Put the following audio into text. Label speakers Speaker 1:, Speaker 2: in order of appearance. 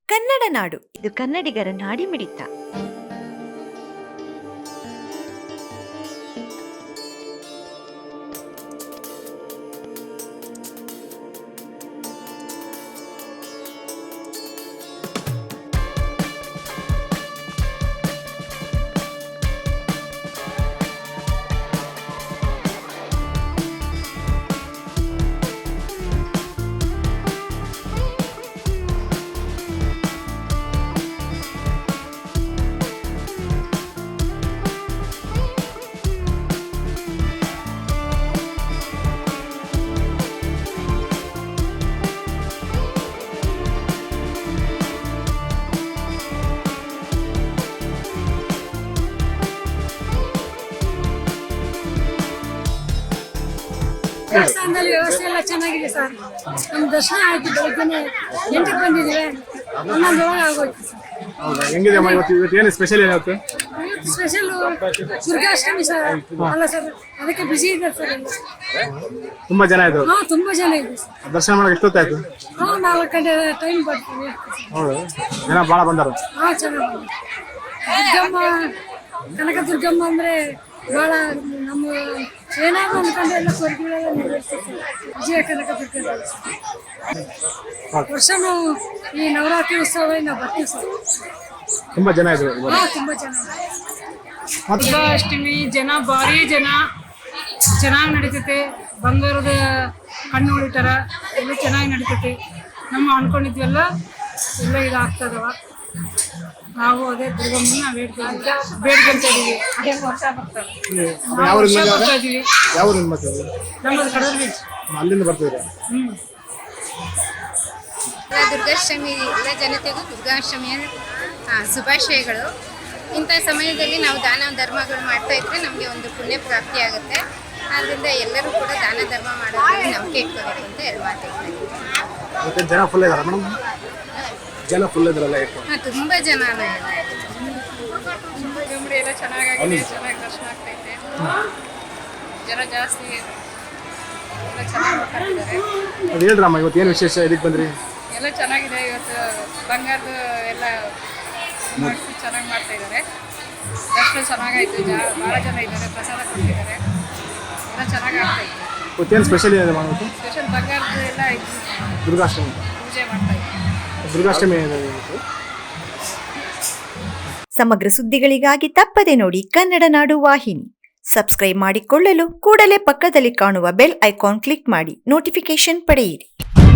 Speaker 1: ಕನ್ನಡ ನಾಡು, ಇದು ಕನ್ನಡಿಗರ ನಾಡಿಮಿಡಿತ.
Speaker 2: ದೇವಸ್ಥಾನದಲ್ಲಿ ವ್ಯವಸ್ಥೆ ಎಲ್ಲ ಚೆನ್ನಾಗಿದೆ ಸರ್. ನಮ್ಮ ದರ್ಶನ ಆಯ್ತು, ಬೆಳಗ್ಗೆ 8ಕ್ಕೆ ಬಂದಿದ್ದೀವಿ, 11 ಆಗೋಯ್ತು ಸರ್.
Speaker 3: ಹೌದಾ, ಹೆಂಗಿದೆ ಅಮ್ಮ ಇವತ್ತು ಏನು ಸ್ಪೆಷಲ್ ಏನಾಗುತ್ತೆ?
Speaker 2: ಇವತ್ತು ಸ್ಪೆಷಲ್ ದುರ್ಗಾಷ್ಟಮಿ ಸರ್. ಅಲ್ಲ ಸರ್, ಅದಕ್ಕೆ ಬಿಸಿ ಇದೆ ಸರ್.
Speaker 3: ತುಂಬಾ ಜನ ಇದ್ರು.
Speaker 2: ತುಂಬಾ ಜನ ಇದೆ ಸರ್.
Speaker 3: ದರ್ಶನ ಮಾಡಕ್ಕೆ ಎಷ್ಟೊತ್ತಾಯ್ತು?
Speaker 2: 4 ಗಂಟೆ ಟೈಮ್ ಬರ್ತೀವಿ.
Speaker 3: ಹೌದು, ಜನ ಭಾಳ ಬಂದರು.
Speaker 2: ಚೆನ್ನಾಗಿ ದುರ್ಗಮ್ಮ, ಕನಕ ದುರ್ಗಮ್ಮ ಅಂದ್ರೆ ಬಹಳ ನಮ್ಮ ಏನಾದ್ರು ಅನ್ಕೊಂಡು ಎಲ್ಲ ಸ್ವರ್ಗಗಳೆಲ್ಲ ನೆರವೇರಿಸ್ತಾರೆ. ವಿಜಯ ಕನಕ ದುರ್ಗ ವರ್ಷನೂ ಈ ನವರಾತ್ರಿ ಉತ್ಸವ ನಾವು ಬರ್ತೀವಿ ಸರ್.
Speaker 3: ತುಂಬಾ ಜನ ಇದ್ರು.
Speaker 2: ತುಂಬಾ ಜನ. ದುರ್ಗಾಷ್ಟಮಿ ಜನ ಭಾರಿ ಜನ, ಚೆನ್ನಾಗಿ ನಡೀತೈತೆ. ಬಂಗಾರದ ಕಣ್ಣು ಹೊಡಿತಾರ, ಎಲ್ಲ ಚೆನ್ನಾಗಿ ನಡೀತೈತಿ. ನಮ್ಮ ಅನ್ಕೊಂಡಿದ್ವೆಲ್ಲ ಎಲ್ಲ ಇದಾಗ್ತದವ. ನಾವು ಅದೇ ದುರ್ಗಮ್ಮನ ಬೇಡ್ಕೊಂತ ಇದೀವಿ. ವರ್ಷ ಬರ್ತಾರೆ. ಬರ್ತಾ ಇದೀವಿ. ನಮ್ಮದು ಕಡೂರು.
Speaker 3: ಅಲ್ಲಿಂದ ಬರ್ತಿದ್ರೆ.
Speaker 4: ದುರ್ಗಾಷ್ಟಮಿ ಎಲ್ಲ ಜನತೆಗೂ ದುರ್ಗಾಷ್ಟಮಿಯ ಶುಭಾಶಯಗಳು. ಇಂಥ ಸಮಯದಲ್ಲಿ ನಾವು ದಾನ ಧರ್ಮಗಳು ಮಾಡ್ತಾ ಇದ್ರೆ ನಮಗೆ ಒಂದು ಪುಣ್ಯ ಪ್ರಾಪ್ತಿ ಆಗುತ್ತೆ. ಆದ್ದರಿಂದ ಎಲ್ಲರೂ ಕೂಡ ದಾನ ಧರ್ಮ ಮಾಡೋದ್ರಲ್ಲಿ ನಂಬಿಕೆ ಇಟ್ಕೋಬೇಕು ಅಂತ ಹೇಳಿ ಮಾತಾಡ್ತಾರೆ.
Speaker 3: ಜನ ಫುಲ್ ಇದಾರೆ ಮೇಡಮ್? ಜನ ಫುಲ್ ಇದ್ರಲ್ಲ?
Speaker 4: ತುಂಬ ಜನ
Speaker 2: ಎಲ್ಲ ಚೆನ್ನಾಗಿದೆ, ಚೆನ್ನಾಗಿ ದರ್ಶನ ಆಗ್ತೈತೆ. ಜನ ಜಾಸ್ತಿ, ಎಲ್ಲ ಚೆನ್ನಾಗಿ ಮಾತಾಡ್ತಿದ್ದಾರೆ.
Speaker 3: ಅದು ಹೇಳ್ರಮ್ಮ, ಇವತ್ತು ಏನು ವಿಶೇಷ? ಇದಕ್ಕೆ ಬಂದ್ರಿ?
Speaker 2: ಎಲ್ಲ ಚೆನ್ನಾಗಿದೆ. ಇವತ್ತು ಬಂಗಾರದ ಎಲ್ಲ ಮಾಡಿಸಿ ಚೆನ್ನಾಗಿ ಮಾಡ್ತಾ ಇದ್ದಾರೆ. ದರ್ಶನ ಚೆನ್ನಾಗಾಯ್ತು. ಭಾಳ ಜನ ಇದ್ದಾರೆ, ಪ್ರಸಾದ ಕೊಡ್ತಿದ್ದಾರೆ, ಎಲ್ಲ ಚೆನ್ನಾಗಿ ಆಗ್ತಾಯಿದೆ.
Speaker 3: ಇವತ್ತೇನು ಸ್ಪೆಷಲ್ ಇದೆ ಮಾಡೋದು?
Speaker 2: ಸ್ಪೆಷಲ್ ಬಂಗಾರದ ಎಲ್ಲ
Speaker 3: ದುರ್ಗಾಷ್ಟಮಿ
Speaker 2: ಪೂಜೆ ಮಾಡ್ತಾ ಇದ್ದಾರೆ.
Speaker 3: ದುರ್ಗಾಷ್ಟಮಿ ಏನಿದೆ?
Speaker 1: ಸಮಗ್ರ ಸುದ್ದಿಗಳಿಗಾಗಿ ತಪ್ಪದೆ ನೋಡಿ ಕನ್ನಡ ನಾಡು ವಾಹಿನಿ. ಸಬ್ಸ್ಕ್ರೈಬ್ ಮಾಡಿಕೊಳ್ಳಲು ಕೂಡಲೇ ಪಕ್ಕದಲ್ಲಿ ಕಾಣುವ ಬೆಲ್ ಐಕಾನ್ ಕ್ಲಿಕ್ ಮಾಡಿ ನೋಟಿಫಿಕೇಶನ್ ಪಡೆಯಿರಿ.